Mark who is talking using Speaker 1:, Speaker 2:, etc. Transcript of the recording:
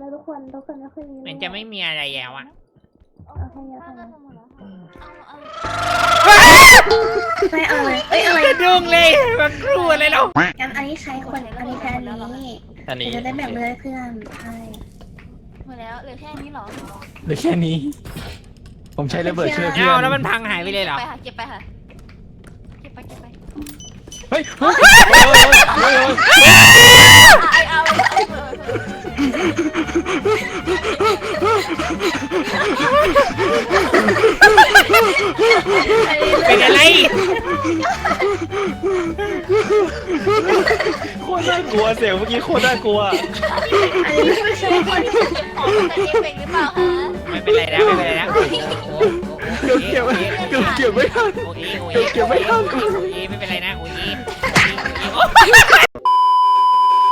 Speaker 1: ทุกคนไม่ค่อยมี
Speaker 2: มันจะไม่มีอะไรแล้วอะ
Speaker 1: เอาให้เยอะ
Speaker 3: เอา
Speaker 1: นะ
Speaker 3: เอาเอา
Speaker 1: ไม่เอาเลยเอ้ยอะไร
Speaker 2: จะดุ้งเลยมันครูอะไรเรา
Speaker 1: งั้นอันนี้ใช้คนอันนี้แค่นี้
Speaker 4: อันนี้
Speaker 1: จะได้แบ่งเลยเพื่อนใช่
Speaker 3: หมดแล้วเหลือแค่นี้เหรอ
Speaker 4: เหลือแค่นี้ ผมใช้ระเบิดช่วยเพื่อ
Speaker 2: เอา
Speaker 4: น
Speaker 2: แล้วมันพังหายไปเลยเหรอ
Speaker 3: เก็บไปค่ะเก็บไปค่ะเก็บไป
Speaker 4: เฮ้ยเฮ้ยเฮ้ย
Speaker 2: เป็นอะไร
Speaker 4: โคตรน่ากลัวเสียงเมื่อกี้โคตรน่ากลัว
Speaker 1: อันนี้ไม่ใช่คน
Speaker 3: ของมันจะเอฟเฟกต์หรือเปล่าคะ
Speaker 2: ไม่เป็นไรแล้วไม่เป็นไรแล้ว
Speaker 4: เก็บไม่ทัน
Speaker 2: โอ้ย
Speaker 4: เก็บไม่ทัน
Speaker 2: โอ้ยไม่เป็นไรนะโอ้ย